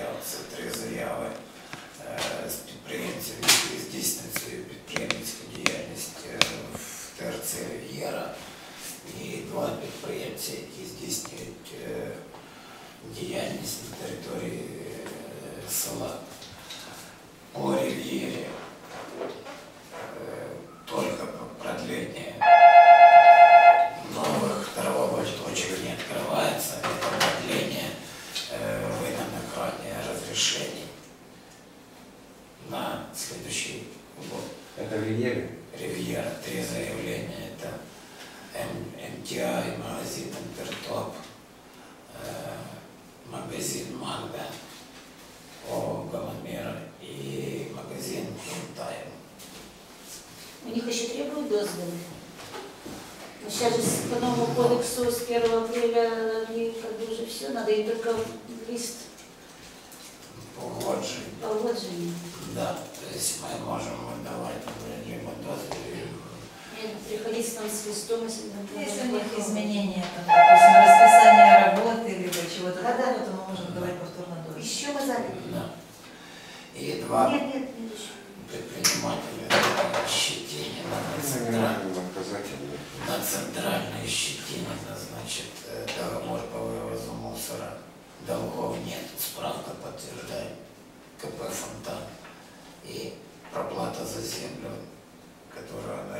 це 3 заяви з підприємців, які здійснюють свою підприємницьку діяльність в ТРЦ «Рів'єра», і 2 підприємці, які здійснюють діяльність на території села. По «Рів'єрі» только продление новых торговых точек не открывается, это продление выданных ранее разрешений на следующий год. Это в «Рів'єрі»? «Рів'єра», 3 заявления, это МТА, магазин «Интертоп», магазин «Магда», ООО «Галамера» и магазин «Интайм». У них еще требуют дозволы. Сейчас же по новому кодексу с 1 апреля они как бы уже все, надо им только лист погоджения. Да, то есть мы можем выдавать либо дозвол, Приходить к нам с листом, если Если у них изменения, там, допустим, расписание работы, либо чего-то такого, то мы можем давать повторно дозвол. еще мы заняли. да. И 2 Нет, еще. предпринимателя Щетинина на центральной Щетине назначит договор по вывозу мусора. Долгов нет, справка подтверждает КП «Фонтан». И проплата за землю, которую она...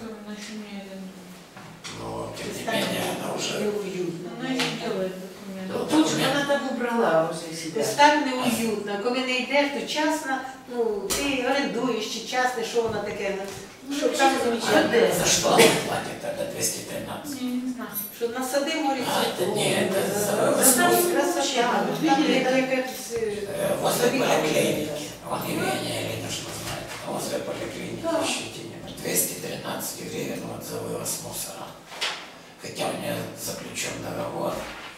Но, тем не менее, она уже... Она не делает документы. Тут Вона там убрала вже себе. Так неуютно. Коли не йдеш, то часно, ну, ти орендуєш чи часто, що вона таке. Що там замечательно. За что она платит тогда 213? Не знаю. Що на сади морі. А, это не, это за вывоз Там мусора. красота. Там якась... Возле поликлиники. Он Евгения Ильинична знает. Возле поликлиники Щетинина. 213 гривен вот за вывоз мусора. Хотя у нее заключен договор.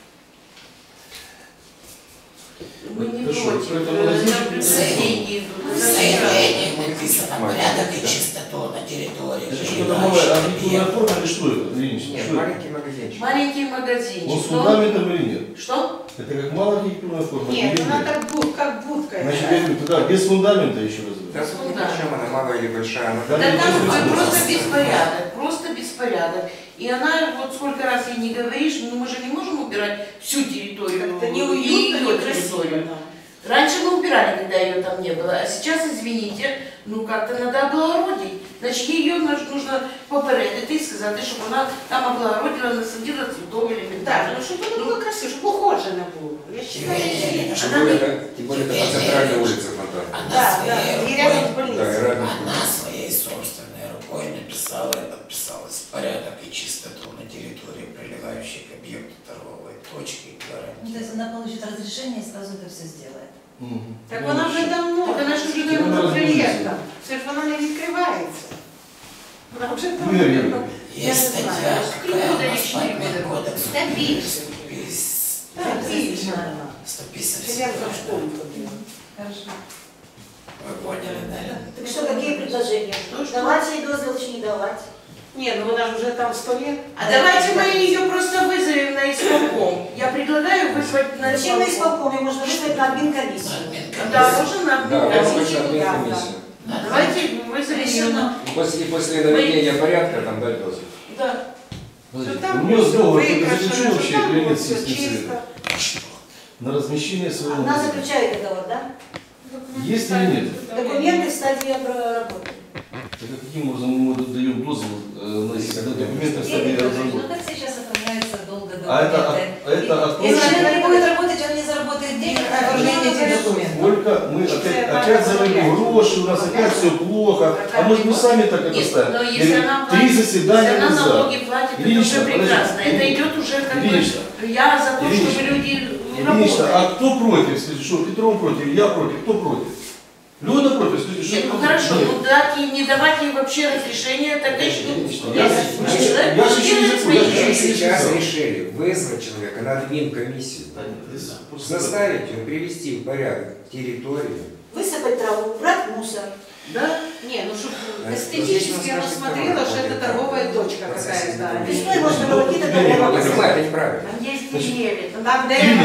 Мы не Хорошо, против. поэтому разъяснить- На заявление идут. В заявлении написано порядок и чистоту на территории. Это что-то новое, архитектурная форма или что это, Ильич? Нет, Что это? маленький магазинчик. Маленький Он магазинчик. с фундаментом или нет? Что? Это как малая архитектурная форма? Нет, или она нет? как будка. Значит, я говорю, тогда без фундамента еще раз Да, говорю. смотрите, чем она, малая или большая, она... Да, Да нет, там нет, просто нет. беспорядок, просто беспорядок. И она, вот сколько раз ей не говоришь, ну мы же не можем убирать всю территорию. Как-то и неуютно, её некрасиво. территорию. Раньше мы убирали, когда ее там не было, а сейчас, извините, ну как-то надо облагородить. Значит, ее нужно попередити і сказати, щоб вона там облагородила, насадила цветов элементарно. Ну, чтобы это было красиво, чтобы ухожено было. Я считаю, Евгения Ильинична, Тем более, это на центральной улице Фонтан. она да, своей и рядом с рукой, Да, и больницей. рядом. она своей собственной рукой написала и подписалась порядок и чистоту на территории, прилегающей к объекту торговой точки. Ну, то гарантии. есть она получит разрешение и сразу это все сделает. Мгм. Так Ну, вона вже давно, так вона ж вже Вона давно розуміється. проєктом. Це ж вона не відкривається. Вона вже Ігор Ігорович, давно. Я не Есть статья, знаю, какая у нас скільки по буде рішення. кодексу. Та більше. 150. Отлично. 150. Селянка в школу ходила. Хорошо. Вы поняли, да? Так что, какие предложения? Что? Давать ей дозвол или не давать? Не, ну вона ж уже там 100 лет. А давайте мы ее просто вызовем на исполком. Я предлагаю вызвать на Зачем на исполком. исполкоме? Можно вызвать на админкомиссию. Да, можно на Да, комиссию. возможно, да, комиссию. Давайте вызовем ее на... После наведения порядка там дать дозвол. Да. Подождите, Что у нее всё договор выкрашено, заключен что вообще там или нет всё с местным чисто. советом? На размещение своего Она магазина. заключает договор, да? Есть или нет? Документы в стадии работы. Тогда каким образом мы даем дозвол, когда документы в стадии Ну разработки? так сейчас оформляется долго А это документы. от Если того, человек не будет работать, он не заработает денег на оформление этих документов. сколько мы опять заводим гроши, у нас опять все плохо. А может мы сами так это Нет, ставим? но если Или она 3 платит, заседания если она назад. налоги платит, это Ильинична, уже прекрасно. подожди. Это идет уже как бы... Ильинична. Я за то, Ильинична. чтобы люди Ильинична, работали. а кто против? Скажите, что Петров против, я против, кто против? Люда против, скажите, что Нет, ну против? хорошо, Нет. ну дать ей, не давать ей вообще разрешения, так и что? Ильинична, Ну, я если же- человек я же может еще не делать закончил, свои я Мы же вещи. сейчас сказал. решили вызвать человека на админкомиссию. Да нет, здесь просто- Заставить ее привести в порядок территорию. Вы высыпать траву, убрать мусор. Да? Не, ну чтобы Эстетически эстетически она смотрела, что это торговая точка какая-то. Весной можно было какие-то Лилия, дома Я посадить. понимаю, это неправильно. Там есть деревья. Там дерево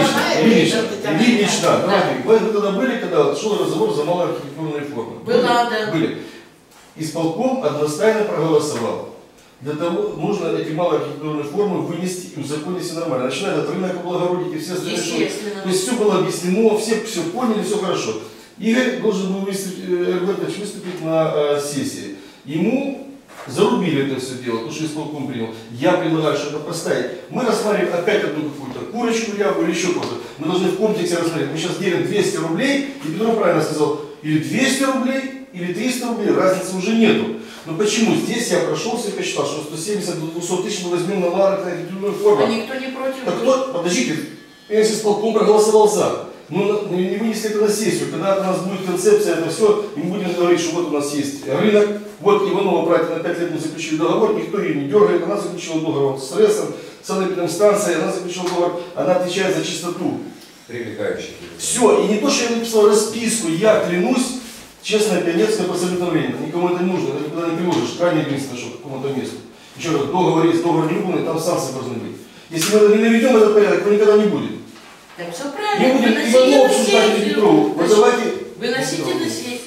Ильинична, давайте, вы когда были, когда шел разговор за малые архитектурные формы? Была, да. Были. Исполком одностайно проголосовал. Для того нужно эти малые архитектурные формы вынести и узаконить все нормально. Начиная от рынка облагородить и все остальные. Естественно. То есть все было объяснено, все поняли, все хорошо. Игорь должен был выступить на сессии. Ему зарубили это все дело, потому что исполком принял. Я предлагаю что-то поставить. Мы рассматриваем опять одну какую-то курочку, рябу или еще что-то. Мы должны в комплексе рассмотреть. Мы сейчас делим 200 рублей, и Петров правильно сказал, или 200 рублей, или 300 рублей, разницы уже нету. Но почему? Здесь я прошелся и посчитал, что 170 до 200 тысяч мы возьмем на малую архитектурную форму. А никто не против. Так вот, подождите, если исполком проголосовал за. Ну, не вынесли это на сессию. Когда у нас будет концепция, это все, и мы будем говорить, что вот у нас есть рынок, вот Иванова братья на 5 лет мы заключили договор, никто ее не дергает, она заключила договор с РЭСом, с санэпидемстанцией, она заключила договор, она отвечает за чистоту. Привлекающий. Все, и не то, что я написал расписку, я клянусь, честное пионерское посоветование, никому это не нужно, это никуда не приложишь, крайне единственное, что к какому-то месту. Еще раз, договор есть, договор не выполнен, там санкции должны быть. Если мы не наведем этот порядок, то никогда не будет. Так все Не правильно. будем Выносите Иванова на обсуждать или сессию. Петрову. Вот давайте. Выносите на сессию.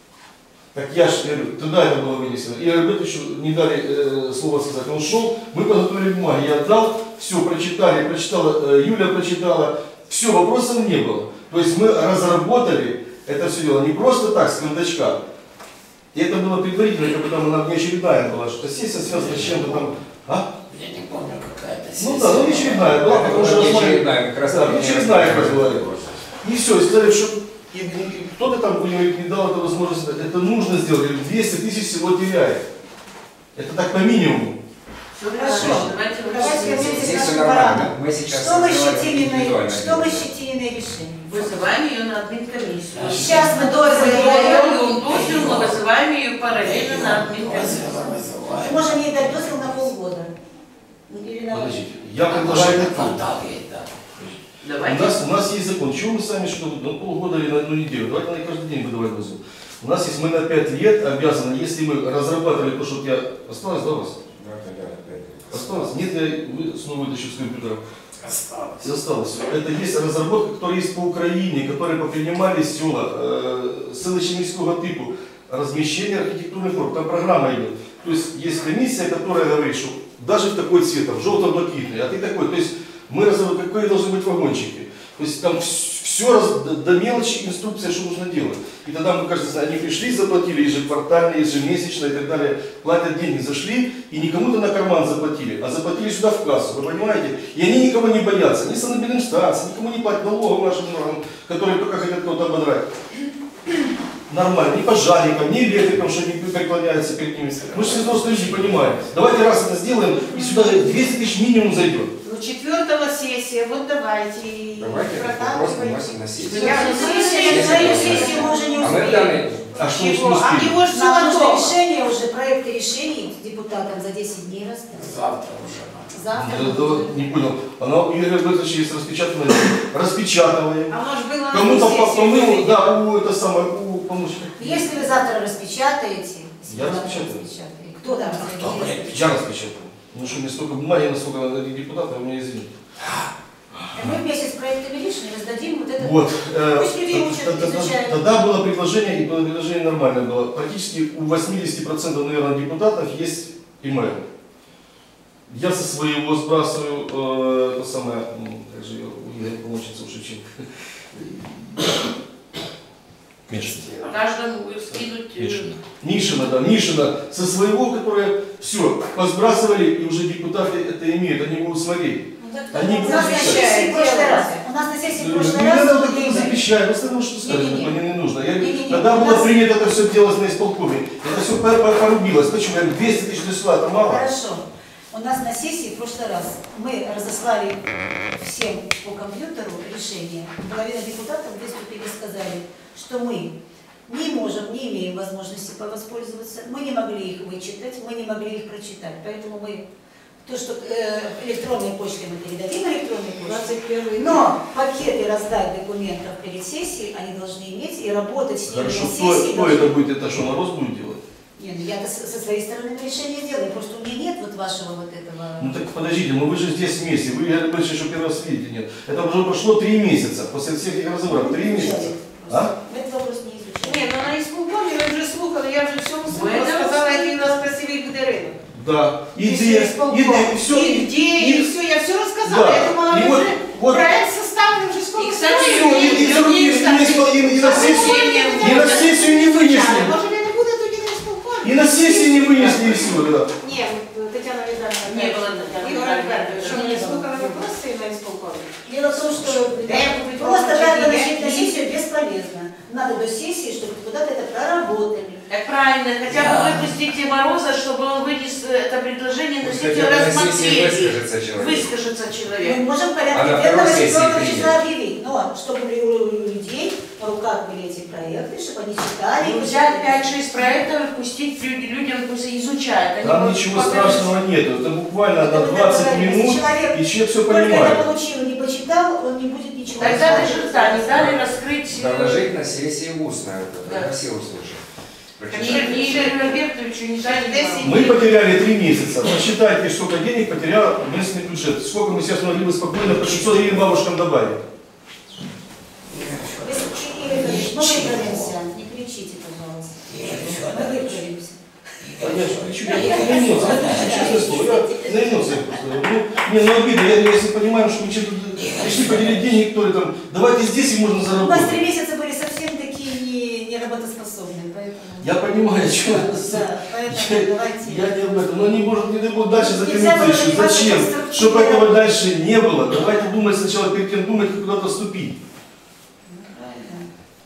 Так я же говорю, тогда это было вынесено. И Альбертовичу не дали слова сказать. Он шел, мы подготовили бумаги, я отдал, все прочитали, прочитала, Юля прочитала, все, вопросов не было. То есть мы разработали это все дело не просто так, с кондачка. И это было предварительно, как бы там она внеочередная была, что сессия связана с чем-то там. А? Я не помню, какая-то сессия. Ну да, ну внеочередная была, потому что Очередная, как раз да, внеочередная как раз была. И все, и сказали, что кто-то там говорит, не дал эту возможность, это нужно сделать, 200 тысяч всего теряет. Это так по минимуму. Все Хорошо. Давайте Давайте выносим. вернемся к Здесь все нашему нормально. параду. Мы сейчас Что мы сделали щетининой индивидуально. решения? Вызываем ее на админкомиссию. Сейчас мы Даем дозвіл, мы вызываем ее параллельно на админкомиссию. Мы можем ей дать дозвол на полгода. Или на... Подождите, я предлагаю так. Квартал есть, да. Давайте. У нас есть закон. Чего мы сами что на полгода или на одну неделю? Давайте на каждый день выдавать дозвол. У нас есть, мы на 5 лет обязаны, если мы разрабатывали то, что я... Осталось, да, у вас? Осталось? Нет, я снова вытащу с компьютера. Осталось. Осталось. Это есть разработка, которая есть по Украине, которые попринимали села, селищно-міського типу, размещение архитектурных форм. Там программа идет. То есть есть комиссия, которая говорит, что даже в такой цвет, там, желто-блакитный, а ты такой. То есть мы разработали, какие должны быть вагончики. То есть там все до мелочи инструкция, что нужно делать. И тогда, мы, кажется, они пришли, заплатили ежеквартально, ежемесячно и так далее. Платят деньги, зашли и не кому-то на карман заплатили, а заплатили сюда в кассу, вы понимаете? И они никого не боятся, ни санэпидемстанции, никому не платят налогов нашим органам, которые только хотят кого-то ободрать. Нормально, ни пожарникам, ни электрикам, что они преклоняются перед ними. Мы же все взрослые люди понимаем. Давайте раз это сделаем, и сюда 200 тысяч минимум зайдет. Ну, 4-го сессия, вот давайте. Давайте этот вопрос выносим на сессию. Сессию мы уже не А мы успеем. данные... А что мы Чего? А успели? его же все Нам нужно готово. решение уже, проекты решений депутатам за 10 дней раздать. Завтра уже надо. Завтра. Не понял. Она у Игоря Альбертовича есть распечатанная. Распечатываем. А может было на Кому-то сессию помыл, приведем? да, у это самое, у помощника. Если вы завтра распечатаете, если Я вы завтра распечатаю. распечатаете, кто там Кто распечатает? будет? Я распечатал. Ну что, мне столько бумаги, насколько депутатов, у меня извините. Мы вместе с проектами решений раздадим вот это. Вот. Пусть людей учат, изучают. Тогда было предложение, и было предложение нормальное было. Практически у 80%, наверное, депутатов есть email. Я со своего сбрасываю, это самое, как же ее, у Игоря помощница у Шевченко. Мишина. Каждому скинуть. Нишина, да, Нишина со своего, которое все, позбрасывали, и уже депутаты это имеют, они будут смотреть. Они У будут нас на сессии в прошлый раз. У нас на сессии в прошлый Не раз. надо был так Игорь. запрещать, просто ну что сказать, Не-не-не. мне не нужно. Не-не-не. Тогда У было нас- принято это все делать на исполкоме. Это все порубилось. Почему? Я говорю, 200 тысяч числа, это мало. Хорошо. У нас на сессии в прошлый раз мы разослали всем по компьютеру решение. Половина депутатов выступили и сказали, что мы не можем, не имеем возможности воспользоваться, мы не могли их вычитать, мы не могли их прочитать. Поэтому мы То, что электронной почтой мы передадим электронной почтой. 21 Но пакеты раздать документов перед сессией они должны иметь и работать с ними Хорошо, на кто сессии. это будет? Это что, Мороз будет делать? Не, ну я-то со своей стороны решение делаю, просто у меня нет вот вашего вот этого... Ну так подождите, вы же здесь вместе, вы говорите, что первый раз видите, нет. Это уже прошло 3 месяца, после всех этих разговоров, 3 месяца. А? Мы этот вопрос не изучали. Ні, ну на исполкомі ви вже слухали, я вже всьому Ви сказала, це який у нас красивий буде ринок. Да. И Идея, все. и где, и все, я все рассказала. Да. Я думала, И вы вот- уже вот- проект составлен уже сколько И, кстати, стоит. И на сессию не вынесли. Може він не буде тоді на исполкомі? И на сессию не вынесли, и все, да. Ні, Тетяна Віталіївна. Не було Тетяни Ігор Віталіївни. Альбертович, що мені слухали вопроси на исполкомі? Дело в том, что будут просто получать так деньги? выносить на сессию бесполезно. Надо до сессии, чтобы депутаты это проработали. Так правильно, хотя бы выпустите Мороза, чтобы он вынес это предложение на Пусть сессию хотя бы на сессии рассмотреть. выскажется человек. Выскажется Мы человек. можем в А порядке на денного второй сессии 4 принять. числа объявить, но чтобы у людей на руках были эти проекты, чтобы они читали. Ну, взять 5-6 проектов и пустить людям, пусть изучают. Они Там вот ничего пока- страшного нет, это буквально на 20 минут, и человек все Только это понимает. получил, не почитал, он не будет ничего Тогда знать. даже да, не дали раскрыть... Доложить на сессии устно, это Да. красиво слушать. Ни Игорю Альбертовичу, ни дали вам. Мы потеряли 3 месяца. Посчитайте, сколько денег потерял местный бюджет. Сколько мы сейчас могли бы спокойно по 600 гривен бабушкам добавить. Игорь Ильич, мы выправимся. Не кричите, пожалуйста. Мы выправимся. Я же кричу, я на эмоциях, честное слово, я на эмоциях просто. Ну, не, ну обидно, если понимаем, что мы что-то пришли поделить денег, которые там, давайте здесь и можно У нас заработать. 3 месяца были совсем такие неработоспособные, поэтому... Я понимаю, что Да, поэтому давайте... я не об этом, но они, может, не будут дальше Нельзя закинуться было еще. заниматься Зачем? конструктивно. Чтобы этого дальше не было. Давайте думать сначала, перед тем думать, как куда-то вступить. Ну, правильно.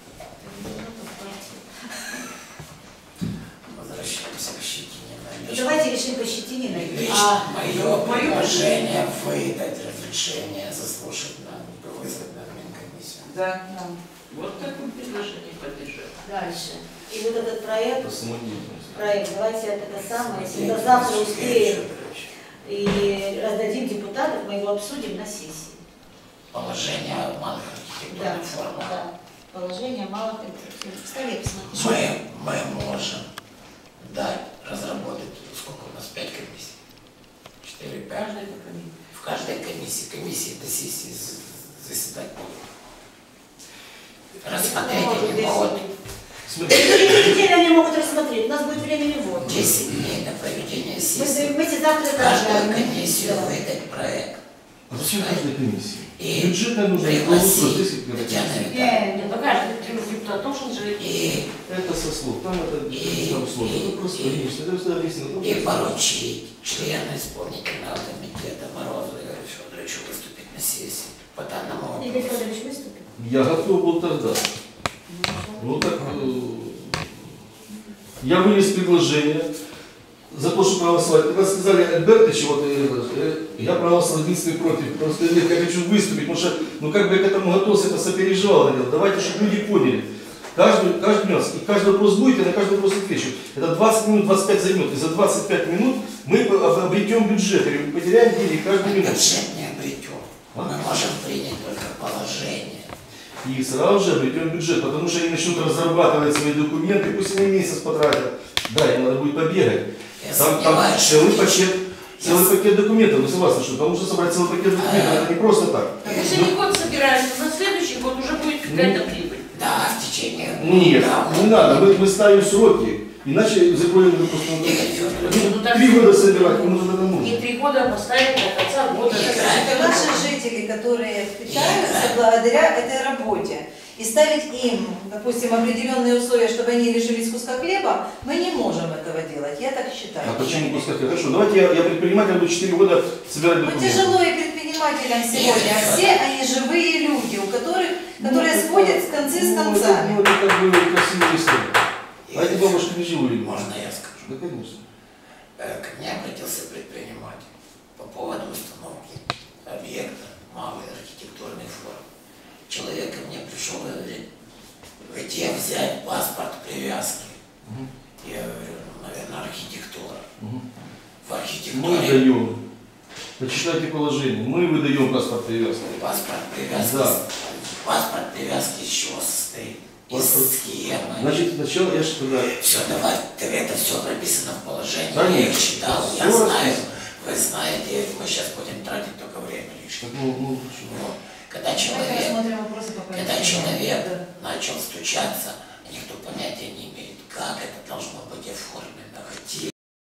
Возвращаемся к Щетине. Ну, давайте решим по Щетининой. Лично мое предложение выдать разрешение заслушать вызвать на Минкомиссию. Да. Вот такое предложение поддержать. Дальше. И вот этот проект, Это самодеятельность. давайте это самое, если до завтра успеем и раздадим депутатов, мы его обсудим на сессии. Положение о малых Да, архитектурных формах. да. Положение малых архитектурных. В столе посмотрите. Мы можем дать, разработать, сколько у нас, 5 комиссий? 4, 5? В каждой комиссии до сессии заседать будут. Рассмотреть они могут Смотрите. Через неделю они могут рассмотреть, у нас будет времени вот. 10 дней на проведение Мы сессии. завтра В каждую это комиссию да. выдать проект. А зачем каждой комиссии? И Бюджетная нужна. пригласить Татьяну Витальевну. Ну, каждый депутат должен же... И Это со слов, там это там сложно. Это просто логично, это просто объяснено. поручить члену исполнительного комитета Морозу Игорю Федоровичу выступить на сессии по данному Игорь вопросу. Федорович выступит? Я готов был тогда. Ну так, я вынес предложение за то, что проголосовать. Когда сказали Альбертович, вот, я проголосовал единственный против. Просто я хочу выступить, потому что, ну как бы я к этому готовился, это сопереживал. Это дело. Давайте, чтобы люди поняли. Каждый нюанс, и каждый вопрос будет, я на каждый вопрос отвечу. Это 20 минут, 25 займет. И за 25 минут мы обретем бюджет, или мы потеряем денег каждую минуту. Бюджет не обретем. Мы можем принять только положение. И сразу же обретем бюджет, потому что они начнут разрабатывать свои документы, пусть они месяц потратят. Да, им надо будет побегать. Я Там сомневаюсь, целый что пакет документов, вы согласны, что там нужно собрать целый пакет документов, это не просто так. Так если не год собираемся, на следующий год уже будет какая-то прибыль. да, в течение Нет, года не надо, мы ставим сроки, иначе закроем просто Игорь Федорович, Ну, так 3 года собирать, кому это нужно. И 3 года поставить до конца года. Это наши жители, которые питаются благодаря этой работе. И ставить им, допустим, определенные условия, чтобы они лишились куска хлеба, мы не можем этого делать. Я так считаю. А почему пускай? Хорошо, давайте я предприниматель, буду 4 года собирать Ну, документы. тяжело и предпринимателям сегодня, а все они живые люди, которые сводят концы с концами. Ну, это как бы красивая история. А эти бабушки не живые. можно я скажу? Да, конечно. Ко мне обратился предприниматель по поводу установки объекта малой архитектурной формы. Человек ко мне пришел и говорит, где взять паспорт привязки? Я говорю, ну, наверное, архитектура. В Мы архитектуре, даем. Почитайте положение. Мы выдаем паспорт привязки. Паспорт привязки. Да. Паспорт привязки из чего состоит? Паспорт. Из схемы. Значит, сначала я что тогда... Все, давай, это все прописано в положении. Да Я нет, их читал, всё я знаю. расписано. Вы знаете, мы сейчас будем тратить только время лишнее. Ну, Вот. Когда Давайте человек, рассмотрим вопросы по когда помещению. человек Да. начал стучаться, никто понятия не